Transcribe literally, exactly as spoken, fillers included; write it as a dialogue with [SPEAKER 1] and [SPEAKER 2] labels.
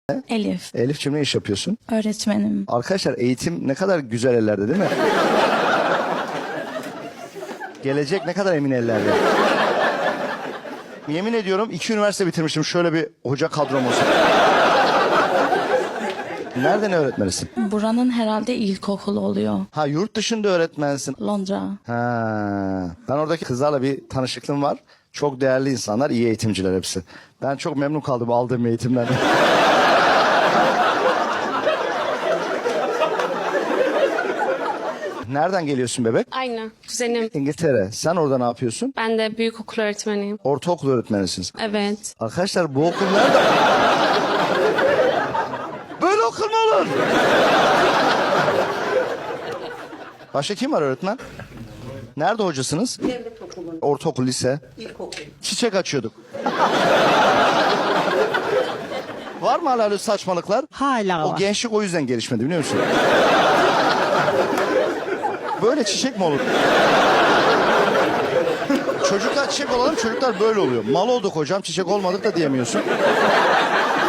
[SPEAKER 1] Elif.
[SPEAKER 2] Elif'ciğim ne iş yapıyorsun?
[SPEAKER 1] Öğretmenim.
[SPEAKER 2] Arkadaşlar eğitim ne kadar güzel ellerde değil mi? Gelecek ne kadar emin ellerde. Yemin ediyorum iki üniversite bitirmiştim. Şöyle bir hoca kadrom olsun. Nerede ne öğretmenisin?
[SPEAKER 1] Buranın herhalde ilkokulu oluyor.
[SPEAKER 2] Ha yurt dışında öğretmensin.
[SPEAKER 1] Londra.
[SPEAKER 2] Ha, ben oradaki kızlarla bir tanışıklığım var. Çok değerli insanlar, iyi eğitimciler hepsi. Ben çok memnun kaldım aldığım eğitimden. Nereden geliyorsun bebek?
[SPEAKER 3] Aynı. Kuzenim.
[SPEAKER 2] İngiltere. Sen orada ne yapıyorsun?
[SPEAKER 3] Ben de büyükokul öğretmeniyim.
[SPEAKER 2] Ortaokul öğretmenisiniz.
[SPEAKER 3] Evet.
[SPEAKER 2] Arkadaşlar bu okul nerede? Böyle okul mu olur? Başka kim var öğretmen? Nerede hocasınız?
[SPEAKER 4] Devlet okulu,
[SPEAKER 2] Ortaokul, lise.
[SPEAKER 4] ilkokul.
[SPEAKER 2] Çiçek açıyorduk. Var mı hala öyle saçmalıklar?
[SPEAKER 4] Hala
[SPEAKER 2] O
[SPEAKER 4] var.
[SPEAKER 2] gençlik o yüzden gelişmedi biliyor musun? Böyle çiçek mi olur? Çocuklar çiçek olalım, çocuklar böyle oluyor. Mal olduk hocam, çiçek olmadık da diyemiyorsun.